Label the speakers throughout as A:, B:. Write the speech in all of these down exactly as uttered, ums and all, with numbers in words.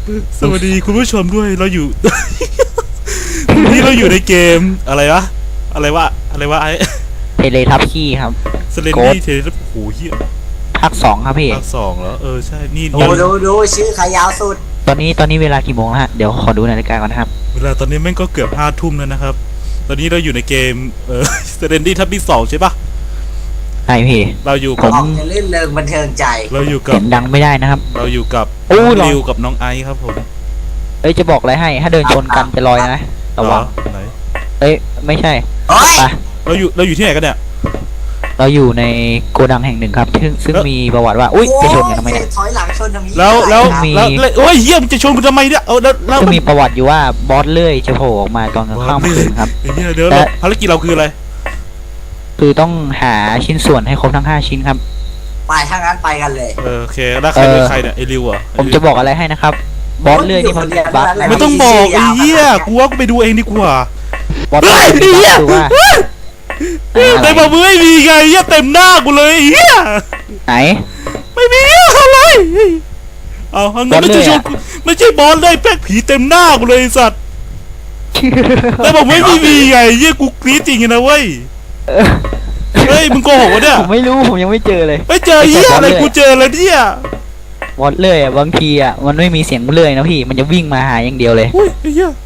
A: สวัสดีคุณผู้ชมด้วยเราอยู่ นี่เราอยู่ในเกมอะไรวะอะไรวะอะไรวะไอ้
B: เทเลทับขี้ครับ
A: สเลนดี้เทเลโอ้โหเหี้ย
B: ภาคสองครับพี่
A: ภาคสองแล้วเออใช่นี่
C: ดูดูดูชื่อขายาวสุด
B: ตอนนี้ตอนนี้เวลากี่โมงแล้วฮะเดี๋ยวขอดูนาฬิกาก่อนนะครับ
A: เวลาตอนนี้แม่งก็เกือบห้าทุ่มแล้วนะครับตอนนี้เราอยู่ในเกมเออ สเลนดี้ทับที่สองใช่ปะ
B: ใช่พี่
A: เราอยู่
B: ผ
A: กับ
B: ม
C: ออกจะลื่นเริงบันเทิงใจ
A: เราอยู่กั
B: เสี
A: บ
B: ยงดังไม่ได้นะครับ
A: เราอยู่กับ
B: โอ้
A: น้อง
B: หรอ
A: ริวกับน้องไอซ์ครับผม
B: เอ้ยจะบอกอะไรให้ถ้าเดินชนกันจะลอยนะระวัง
A: เหอไหน
B: เอ้ยไม่ใช่
C: โอ้ย
B: ไป
A: เราอยู่เราอยู่ที่ไหนกันเนี่ย
B: เราอยู่ในโกดังแห่งหนึ่งครับซึ่งซึ่งมีประวัติว่าอุ้ยจะชนกันทำไมเนี่ย
C: ถอยหลังชนทำไม
A: แล้วแล้ว
B: มี
A: แล้วแล้วโอ้ยเยี่ยมงจะชนกูทำไมเนี่ยเอาแล้วแล้ว
B: ซึ่งมีประวัติอยู่ว่าบอสเลื่อยจะโผล่ออกมาตอนกลางค่ำคืนครับ
A: ไอ้เหี้ยเดี๋ยว
B: และ
A: เราภารกิจเราคืออะไร
B: คือต้องหาชิ้นส่วนให้ครบทั้งห้าชิ้นครับ
C: ไปถ้างั้นไปกันเลย
A: เออโอเคแล้วใครเป็นใครเนี่ยไอ้ริวเหรอ่ะ
B: ผมจะบอกอะไรให้นะครับบอสเลื่อยนี่มันบั๊กนะ
A: ไม่ต้องบอกไอ้เหี้ยกูว่ากูไปดูเองดีกว่า
B: บอสเลื่อยนี่บั๊กคือว่า
A: แต่บอกมึงไม่มีไงเหี้ยเต็มหน้ากูเลยไอ้เหี้ย
B: ไหน
A: ไม่มีอะไรเอาเอางั้นไม่ใช่ชนกูไม่ใช่บอลเลยแป๊กผีเต็มหน้ากูเลยไอ้สัตว์แต่บอกไม่มีไงเหี้ยกูกรี๊ดจริงนะเว้ยเฮ้ยมึงโกหกวะเนี่ย
B: ผมไม่รู้ผมยังไม่เจอเลย
A: ไม่เจอเหี้ยอะไรกูเจอแล้วเนี่ย
B: บอสเลื่อยอ่ะบางทีอ่ะมันไม่มีเสียงเลื่อยนะพี่มันจะวิ่งมาหาอย่างเดียวเลย
A: อุ้ยไอ้เหี้ย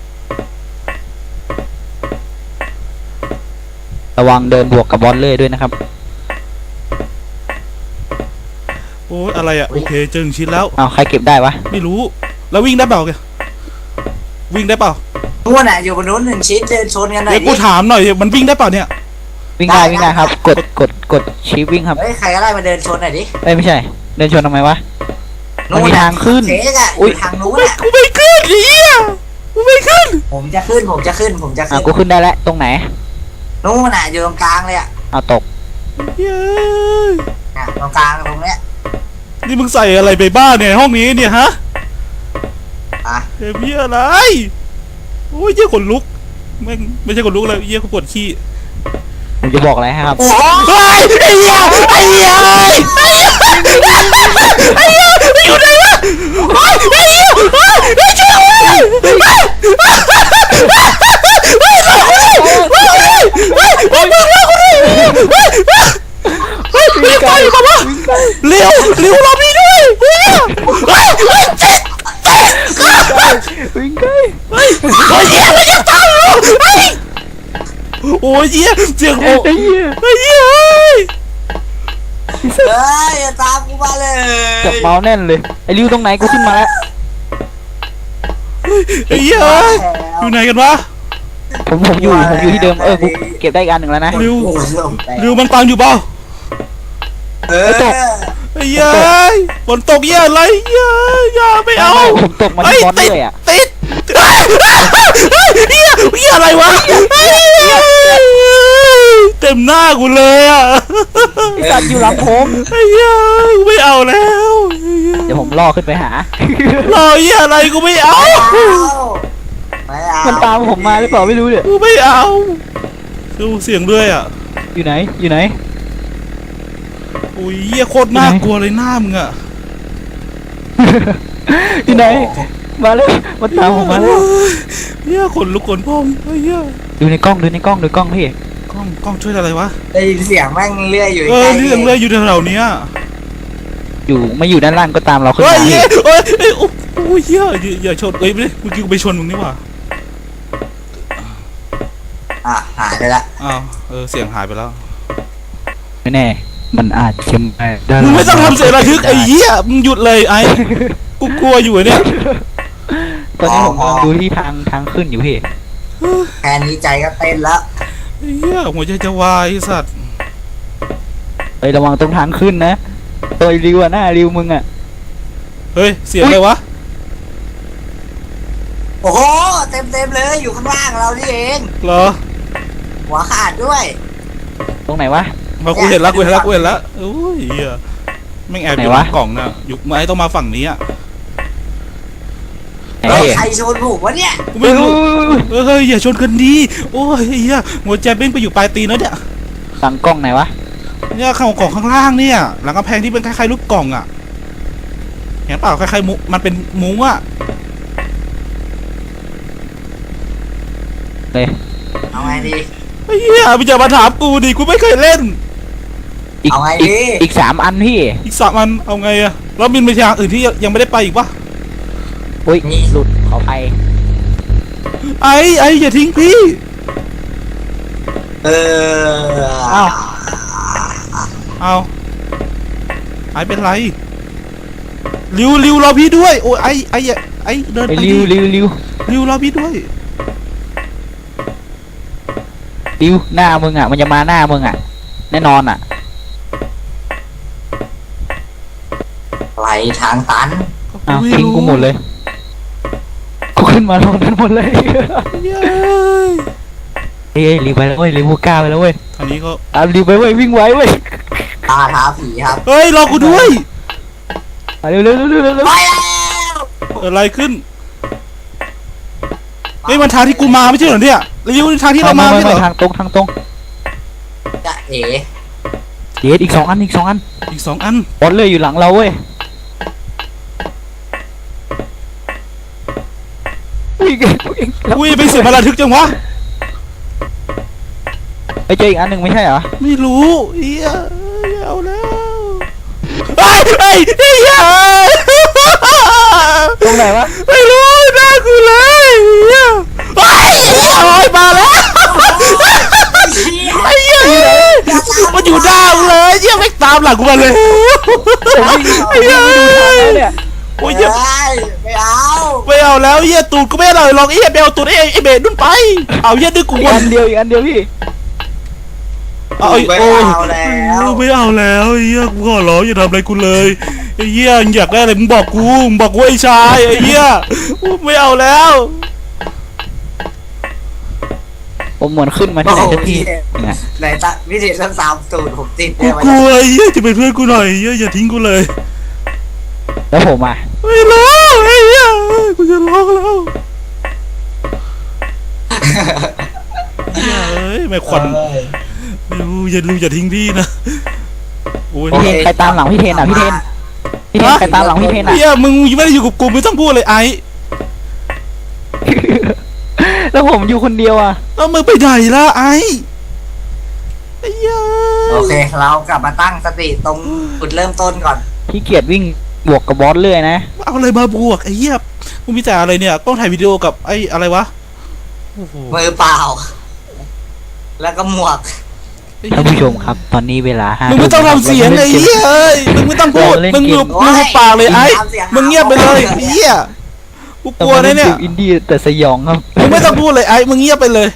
B: ระวังเดินบวกกับบอสเลื่อยด้วยนะครับ
A: โอ้ยอะไรอ่ะโอเคเจอหนึ่งชิ้นแล้ว
B: เอาใครเก็บได้วะ
A: ไม่รู้แล้ววิ่งได้เปล่าแกวิ่งได้เปล่า
C: นู้นน่ะอยู่บนนู้นหนึ่งชิ้นเดินชนกันหน่อ
A: เดี๋
C: ย
A: ยวกูถามหน่อยมันวิ่งได้เปล่าเนี่ย
B: วิ่งได้วิ่งได้ครับ กดกดกดชิปวิ่งครับ
C: เฮ้ยใครก็ได้มาเดินชนหน่อยดิ
B: เอ้ยไม่ใช่ เดินชนทำไมวะ มันมีทางขึ้น
C: เจ๊กอะอ
B: อุ๊ย
C: ยู่ทางนู้น
A: ไม่
C: อะ
A: กูไม่ขึ้นไอ้เหี้ยกูไม่ขึ้น
C: ผมจะขึ้นผมจะขึ้นผมจะ
B: อ่ะ
C: ขึ้น
B: กูขึ้นได้แล้วตรงไหน
C: นู้นน่ะอยู่ตรงกลางเลยอะ
B: เอาตก
A: เย้ย
C: น่ะตรงกลางตรงเนี้ย
A: นี่มึงใส่อะไรไปบ้างเนี่ยห้องนี้เนี่ยฮะ
C: อ่ะ
A: เฮ้ยเหี้ยอะไรโอ้ยเหี้ยขนลุกไม่งไม่ใช่ขนลุกเลยเหี้ยกูปวดขี้
B: ผมจะบอกอะไรให้ครับ
C: โอ้โห
A: เฮ้ยไอ้เหี้ยไอ้เหี้ยไอ้เหี้ยไอ้เหี้ยไอ้เหี้ยอยู่ไหนวะเฮ้ยไอ้เหี้ยเฮ้ยไอ้เจ้าเฮ้ยเฮ้ยเฮ้ยเฮ้ยเฮ้ยเฮ้ยเฮ้ยเฮ้ยเฮ้ยเฮ้ยเฮ้ยเฮ้ยเฮ้ยเฮ้ยเฮ้ยไปมาปะเร็วเร็วรอพี่ด้วยเฮ้ยเฮ้ยเฮ้ยเจ็ดเจ็ด
B: วิ่งใกล้
A: เฮ้ยเฮ้ยเหี้ยมันยังตายอยู่เฮ้ยโอ้ยเหี้ยเสียงโอ้
B: ไอ้เหี้ย
A: เฮ้ยเหี้ยเฮ้ย
C: เฮ้ยอย่าตามกูมาเลย
B: จับเมาส์แน่นเลยไอ้ริวตรงไหนกูขึ้นมาแล้ว
A: ไอ้เหี้ยเอ้ยอยู่ไหนกันวะ
B: ผมผมอยู่ผมอยู่ที่เดิมเออกูเก็บได้อีกอันหนึ่งแล้วนะ
A: เร็ว
C: โอ้โหลงไป
A: เร็วมันตามอยู่เปล่า
C: เออ
B: ตก
A: ไอ้เหี้ยฝนตกเหี้ยอะไรเหี้ยอย่าไม่เอา
B: ผมตกมาที่บอสเลื่อยอ่ะ
A: ติดเฮ้ยเฮ้ยเหี้ยเหี้ยอะไรวะเฮ้ยเต็มหน้ากูเลยอ่ะ
B: ไอ้สัตว์อยู่หลังผม
A: ไอ้เหี้ยกูไม่เอาแล้ว
B: เดี๋ยวผมล่อขึ้นไปหาร
A: อเหี้ยอะไรกูไม่เอา
C: ไม่เอา
B: มันตามผมมาหรือเปล่าไม่รู้เนี่ย
A: กูไม่เอาดูเสียงด้วยอ่ะ
B: อยู่ไหนอยู่ไหน
A: โอ้ยเหี้ยโคตรน่ากลัวเลยหน้ามึงอ่ะ
B: อยู่ไหนมาเลยมันตามผมมาแล้ว
A: เหี้ยขนลุกขนพองเฮ้ยเหี้ย
B: ดูในกล้องดูในกล้องดูกล้องพี่
A: กล้องกล้องช่วยอะไรวะ
C: ได้ยินเสียงแม่งเลื่อยอยู่
A: เออ
C: ใกล้
A: เรื่องเลยอยู่แถวๆเนี้ย
B: อยู่ไม่อยู่ด้านล่างก็ตามเราขึ้น
A: เฮ้ย
B: มาพี่
A: เฮ้ยเฮ้ยเฮ้ยโอ้โหเหี้ยอย่าอย่าชนเอ้ยไม่ได้เมื่อกี้กูไปชนมึงนี่หว่า
C: อ่ะหายไปละ
A: อ้าวเออเสียงหายไปแล้ว
B: ไม่แน่มันอาจจะมาด้าน
A: มึงไม่ต้องทำเสียงระทึกไอ้เหี้ยมึงหยุดเลยไอ้กูกลัวอยู่เนี่ย
B: ตอนนี้ผมกำลังดูที่ทางทางขึ้นอยู่พี่
C: แค่นี้ใจก็เต้นแล้ว
A: ไอ้เหี้ยหัวใจจะวายไอ้สัตว์
B: เอ้ยระวังตรงทางขึ้นนะตัวริวอะหน้าริวมึงอะ
A: เฮ้ยเสียงอะไรวะ
C: โอ้โหเต็มเต็มๆเลยอยู่ข้างล่างเรานี่เอง
A: เหรอ
C: หัวขาดด้วย
B: ตรงไหนวะ
A: มากูเห็นแล้วกูเห็นแล้วกูเห็นแล้วโอ้ยเหี้ยแม่งแอบอยู่
B: ไหน
A: ใน
B: วะ
A: กล่องน่ะอยู่ไอ้ต้องมาฝั่งนี้อ่ะ
B: ไหน
C: เฮ้ย
B: พี่
C: ใครชนผมวะเนี่ย
A: กูไม่รู้เออเฮ้ยอย่าชนกันดีโอ้ยไอ้เหี้ยหัวใจเบ้งไปอยู่ปลายตีนแล้วเนี่ย
B: สั่งกล้องไหนวะ
A: เนี่ยข้างกล่องข้างล่างเนี่ยหลังกำแพงที่เป็นคล้ายๆลูกกล่องอ่ะเห็นเปล่าคล้ายๆมุกมันเป็นมุ้งอะ
B: เลย
C: เอาไงดี
A: ไอ้เหี้ยมึงอย่ามาถามกูดิกูไม่เคยเล่น
B: อีก
C: เอาไง
B: อี
C: ดี
B: กอีกสามอันพี่
A: อีกสามอันเอาไงอะแล้วมินไปทางอื่นที่ยังไม่ได้ไปอีกปะ
B: อุ้ยหลุดขอไป
A: ไอ้ไอ้อย่าทิ้งพี่
C: เออ
B: อ้าว
A: เอาไอ้เป็นไรริวริวรอพี่ด้วยโอ้ยไอ้ไอ้อย่าไอ้เดิน
B: ไอ้
A: ไป
B: ริว
A: ดิ
B: ริวริว
A: ริวรอพี่ด้วย
B: ริวหน้ามึงอ่ะมันจะมาหน้ามึงอ่ะแน่นอนอ่ะ
C: ไหลทางตัน
B: อ้าวทิ้งกูหมดเลยกูขึ้นมาลงกันหมดเลย
A: เย้
B: เฮ้ยรีบไปแล้วเว้ยรีบกล้าไปแล้วเว้ย
A: ทางนี้ก็
B: ตามรีบไปเว้ยวิ่งไวเว้ย
C: ตาท้าผีครับ
A: เฮ้ยรอกูด้วย
B: เร็วเร็วเร็วเร็วเร็วเร็ว
C: ไปแล้ว
A: เกิดอะไรขึ้นเฮ้ยมันทางที่กูมาไม่ใช่เหรอเนี่ยริวนี่ทางที่เรามา
B: ไม่
A: ไม่ใช่
B: ไม่
A: เหรอ
B: ทางตรงทางตรง
C: จะเอ๋
B: เดี๋ยวอีกสองอันอีกสองอัน
A: อีกสองอัน
B: บอลเลยอยู่หลังเราเว้ยวิ่งวิ่งแล้ว
A: อุ้ยไปเสียพลังทึกจังวะ
B: ไปเจออีกอันหนึ่งไม่ใช่เหรอ
A: ไม่รู้เฮียเอาแล้วไอ้ไอ้ไอ้เหี้ย
B: ตรงไหนวะ
A: ไม่รู้น่ากูเลยเฮียไอ้เหี้ยโอ้ยมาแล้วไอ้เหี้ยมันอยู่หน้ากูเลยเหี้ยไม่ตามหลังกูมาเลย
B: ผมวิ่งไอ้เหี้ยไม่ดูทางแล้วเนี่ย
A: โอ้ย
C: ไม่
A: เหี้ย
C: ไม่เอา
A: ไม่เอาแล้วเหี้ยตูดกูไม่อร่อยหรอกเหี้ยไปเอาตูดไอ้ไอ้เบสนุ่นไปเอาเหี้ยดึงกู
B: อีก
A: วน
B: อันเดียวอีกอันเดียวพี่
A: เอาไอ้
C: ไม่
A: โอ้ย
C: เอาแล้ว
A: ไม่เอาแล้วไอ้เหี้ยกูขอร้องอย่าทำอะไรกูเลยไอ้เหี้ยอยากได้อะไรมึงบอกกูมึงบอกกูไอ้ชายไอ้เหี้ยไม่เอาแล้ว
B: ผมเหมือนขึ้นมาที่ไหนสักทีไง
C: ไหนตาวิธีทั้งสามสูตรผมติด
A: กู
C: ได้ไหม
A: กลัวไอ้เหี้ยจะเป็นเพื่อนกูหน่อยไอ้เหี้ยอย่าทิ้งกูเลย
B: แล้วผมอ่ะ
A: ไม่ร้องไอ้เหี้ยกูจะร้องแล้วเหี้ยเอ้ยไม่ควันไม่รู้อย่ารู้อย่าทิ้งพี่นะโอ้ย
B: พี่เทนใครตามหลังพี่เทนอ่ะพี่เทนพี่เทนใครตามหลังพี่เทนอ่ะ
A: เหี้ยมึงไม่ได้อยู่กับกูไม่ต้องพูดเลยไอ้
B: แล้วผมอยู่คนเดียวอ่ะ
A: แล้วมึงไปไหนล่ะไอ้ไอ้เหี้ย
C: โอเคเรากลับมาตั้งสติตรงจุดเริ่มต้นก่อน
B: พี่เกียรวิ่งบวกกับบอสเรื่อยนะ
A: เอาอะไรมาบวกไอ้เหี้ยมึงมีแต่อะไรเนี่ยกล้องถ่ายวิดีโอกับไอ้อะไรวะโอ้โห
C: มือเปล่า แล้วก็หมวก
B: ท่านผู้ชมครับ ตอนนี้เวลาห้า
A: มึงไม่ต้องทำเสียงไอ้เหี้ยเอ้ยมึงไม่ต้องพูดมึงหยุดมึงหุบปากเลยไอ้มึงเงียบไปเลยไอ้เหี้ยกูกลัวนะเนี่ย
B: อินดี้แต่สยองครับ
A: มึงไม่ต้องพูดเลยไอ้มึงเงียบไปเลย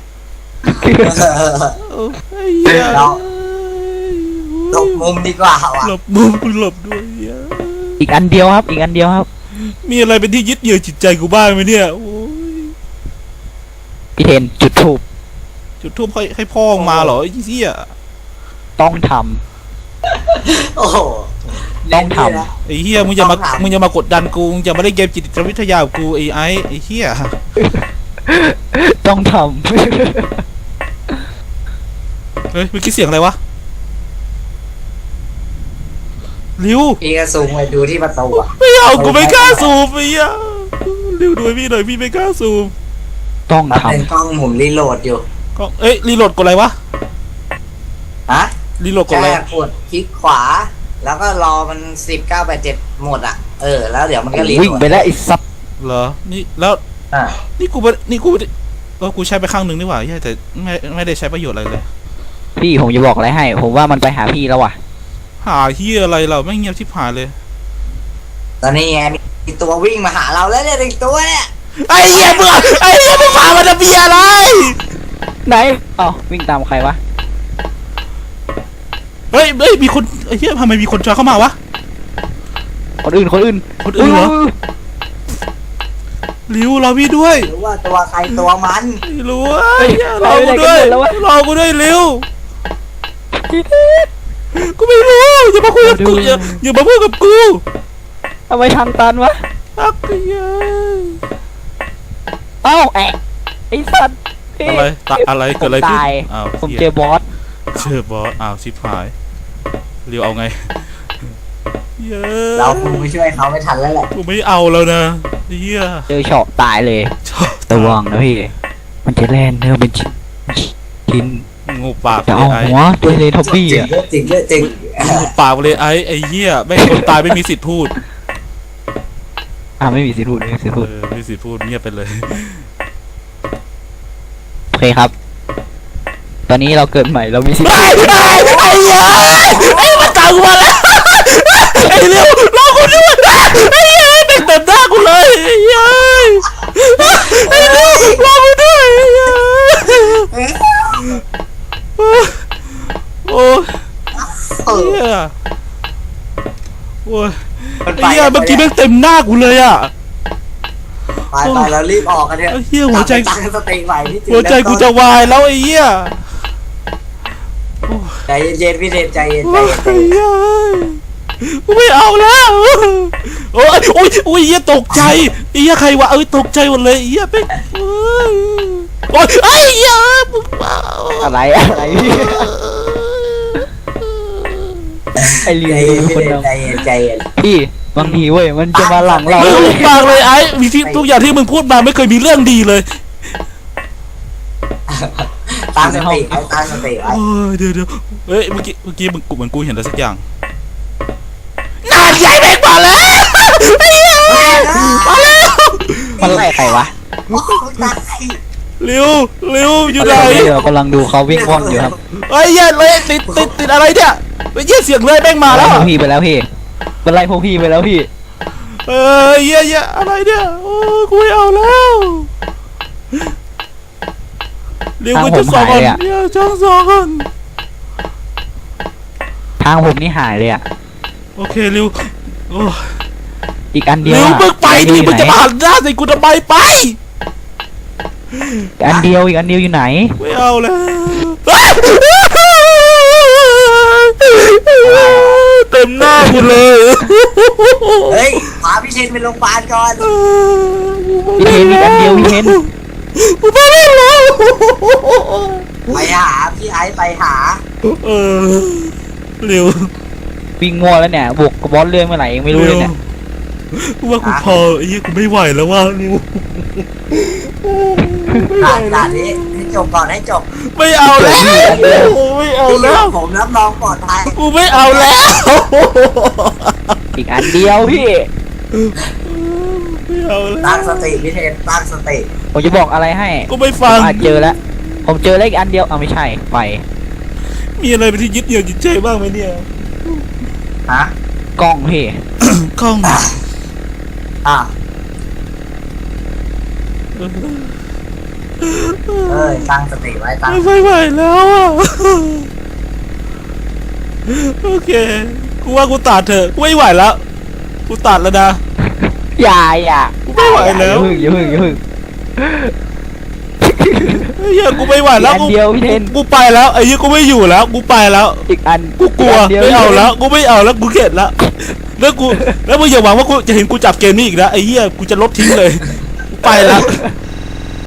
A: ไอ้เหี้ย
C: เรา หลบมุมดีกว่าว่ะ
A: หลบมุมกูหลบด้วยเหี้ย
B: อีกอันเดียวครับ อีกอันเดียวครับ
A: มีอะไรเป็นที่ยึดเหนี่ยวจิตใจกูบ้างไหมเนี่ยโอ้ย
B: พี่เทนจุดทูบ
A: จุดทูบให้ให้พ่อมึงมาเหรอไอ้เหี้ย
B: ต้องท
C: โอ้โห
B: ต้องทำ
C: เล่นดีนะ
A: ไอ้เหี้ยมึงอย่ามา
C: ต้องถาม
A: มึงอย่ามากดดันกูมึงอย่ามาเล่นเกมจิตวิทยากับกูไอ้ไอ้ไอ้เหี้ย
B: ำต้องท
A: เฮ้ยเมื่อกี้เสียงอะไรวะริว
C: พี่ก็ซูมไปดูที่ประตูอ่ะ
A: ไม่เอากูไม่กล้าซูมไอ้เหี้ยริวดูให้พี่หน่อยพี่ไม่กล้าซูม
B: ำต้อง
C: มัน
B: ท
C: เป็นกล้องหมุนรีโหลดอยู่
A: ก็เอ้ยรีโหลดกดอะไรวะ
C: ฮะ
A: รีโหลดกด
C: แค่
A: อะไร
C: กดคลิกขวา แล้วก็รอมันสิบเก้าแปดเจ็ดหมดอ่ะ เออ แล้วเดี๋ยวมันก็รีโหลด
B: ำวิ่งไปแล้วไอ้ซับ
A: เหรอนี่แล้ว
C: อ่ะ
A: นี่กูไม่นี่กูไม่ได้เออกูใช้ไปข้างหนึ่งนี่หว่าเหี้ยแต่ไม่ไม่ได้ใช้ประโยชน์อะไรเลย
B: พี่ผมจะบอกอะไรให้ ผมว่ามันไปหาพี่แล้วว่ะ
A: หาเหี้ยอะไรเราไม่งเงียบชิบหายเลย
C: ตอนนี้ไงมีตัววิ่งมาหาเราแล้วเนี่ยอีกตัวเนี่ย
A: ไอ้เหี้ยมึงไอ้เหี้ยมึงพามันจะเบียอะไร
B: ไหนอ๋อวิ่งตามใครวะ
A: เฮ้ยเฮ้ยมีคนไอ้เหี้ยทำไมมีคนจอยเข้ามาวะ
B: คนอื่นคนอื่น
A: คนอื่นเหรอริวรอพี่ด้วย
C: หรือว่าตัวใครตัวมัน
A: ไม่รู้ไอ้เหี้ยรอกูด้วยรอกูด้วยริว
B: พี่เทน
A: กูไม่รู้อย่ามาคุยกับกูอย่าอย่ามาพูดกับกู
B: ทำไมทางตันวะ
A: อักเหี้ย
B: เอ้าแอะไอ้สัตว์พี่
A: อะไรตะอะไรเกิดอะไรขึ้น
B: ผมตาย
A: อ้าว
B: ผม
A: หี้ย
B: เจอบอส
A: เจอบอสอ้าวชิบหายริวเอาไงเย้
C: เราคงไปช่วยเขาไม่ทันแล้วแหละ
A: กูไม่เอาแล้วนะเฮีย
B: เจอเฉาะตายเลย
A: ชอบ
B: ระวังนะพี่ มันจะแล่นเนื้อเป็นชิ้นชิ้น
A: งูปาก
B: จะ
A: เล
B: เอา
A: ยไอ้
B: หัวตัวเลยท็อปปี้
C: จริง
B: อ่ะ
C: เยอะจริงเยอะจริง
A: งูปากเลยไอ้ไอ้เหี้ยแม่งคนตายไม่มีสิทธิ์พูด
B: อ่าไม่มีสิทธิ์พูดไม่มีสิทธิ์
A: เอ
B: พูด
A: อไม่มีสิทธิ์พูดเงียบไปเลย
B: โอเคครับ ตอนนี้เราเกิดใหม่เรามีสิทธิ์
A: ไอ้ไอ้ไอ้เหี้ยไอ้มันตามกูมาแล้วไอ้เร็วรอกูด้วยไอ้เหี้ยเด็กเต็มหน้ากูเลยไอ้เหี้ยไอ้เร็วรอกูด้วยไอ้เหี้ยโอ้ย
C: เออ
A: เหี้ยโอ้ย
C: มัน
A: ไอ้เหี้ยเมื่อกี้แม่งเต็มหน้ากูเลยอ่ะ
C: ไปไปเรารีบออกกันเถอะ
A: ไอ้เหี้ยหัวใจ
C: ตั้งสติใหม่ที่จุด
A: หัวใจกูจะวายแล้วไอ้เหี้ย
C: ใจเย็นๆพี่เดชใจเย็นใจ
A: โอ้ย
C: เย็นใจเย็น
A: กูไม่เอาแล้วโอ้ยโอ้ยโอ้ยเหี้ยตกใจไอ้เหี้ยใครวะเอ้ยตกใจหมดเลยไอ้เหี้ยเป็นโอ้ยไอ้เหี้ยมึงเปล่า
B: อะไรอะไรพี่ไอเลี
C: ใจ
B: ย
C: เย็น
B: คน
C: พี่เด
B: เดีย
C: ช
B: ว
C: ใจเย็นใจเย็น
B: พี่บางทีเว้ยมันจะมาหลังเรา
A: มึงปากเลยไอ้มีที่ทุกอย่างที่มึงพูดมาไม่เคยมีเรื่องดีเลย
C: ตั้งสติไว้ตั้งสติไว้
A: โอ้ยเดี๋ยวเดี๋ยวเฮ้ยเมื่อกี้เมื่อกี้มึงกูเหมือนกูเห็นอะไรสักอย่างนานใหญ่แม่งมาแล้วไอ้เหี้ยมาแล้ว
B: มันไล่ใครวะ
C: โอ้ยตาย
A: เร็วเร็วอยู่ไหน
B: เดี๋ยวกำลังดูเขาวิ่งว่อนอยู่ครับ
A: ไอ้เหี้ยเลยติดติดติดอะไรเนี่ยไอ้เหี้ยเสียงเลยแม่งมา
B: ไล่
A: แล้ว
B: พว
A: อะ
B: กพี่ไปแล้วพี่มันไล่พวกพี่ไปแล้วพี่
A: เออเหี้ยเหี้ยอะไรเนี่ยโอ้กูไม่เอาแล้วเร็วกูจะสองก่อนเหี้ยจ้องสองก่อน
B: ทางผมนี่หายเลยอ่ะ
A: โอเคเร็วโอ้
B: อีกอันเดียว
A: เร็ว
B: อะ
A: มึงไปดิมึงจะมาหันหน้าใส่กูทำไมไป
B: อีกอันเดียวอีกอันเดียวอยู่ไหน
A: ไม่เอาแล้วเต็มหน้ากูเลย
C: เฮ้ยพาพี่เชนไปโรงพยาบาลก่อน
B: พี่เทนอีกอันเดียวพี่เทน
A: กูไม่ได้แล้ว
C: ไปหาพี่ไอซ์ไปหา
A: เออเร็ว
B: วิ่งงัวแล้วเนี่ยบวกกับบอสเรื่องเมื่อไหร่ยังไม่รู้เลยเนี่ย
A: กูว่ากูพอไอ้เหี้ยกูไม่ไหวแล้วว่าเร็ว
C: ด่านด่านนี้ให้จบก่อนให้จบ
A: ไม่เอาแล้วไม่เอา
C: พี่
A: แล้ว
C: ผมรับรองปลอดภัย
A: กูไม่เอาแล้ว
B: อีกอันเดียวพี่
A: ไม่เอาแล้ว
C: ตั้งสติพี่เทนตั้งสติ
B: ผมจะบอกอะไรให้
A: กูไม่
B: ผ
A: ฟัง
B: มอาจเจอแล้วผมเจอเลขอันเดียวเอาไม่ใช่ไฟ
A: มีอะไรเป็นที่ยึดเหนี่ยวจิตใจบ้างไหมเนี่ย
C: ฮะ
B: กล้องพี่
A: กล้อง
C: อ่ะเอ้ยตั้งสติไว้ตั้ง
A: ไม่ไหวแล้วอ่ะโอเคกูว่ากูตัดเถอะกูไม่ไหวแล้วกูตัดแล้วนะ
B: อย่าอย่า
A: กูไม่ไหว
B: อย่า
A: แล้ว
B: พึ่งอย่าพึ่งอย่าพึ่ง
A: ไอ้เหี้ยกูไม่ไหวแล้ว
B: อีกอั
A: กู
B: นเดียวพี่เทน
A: กูไปแล้วไอ้เหี้ยกูไม่อยู่แล้ว กูไปแล้ว
B: อีกอัน
A: กูกลัว
B: กนดีย
A: ไม่เอาแล้วกูไม่เอาแล้วกูเข็ดแล้วแล้วกูแล้วมึงอย่าหวังว่ากูจะเห็นกูจับเกมนี้อีกนะไอ้เหี้ยกูจะลบทิ้งเลยกูไปแล้ว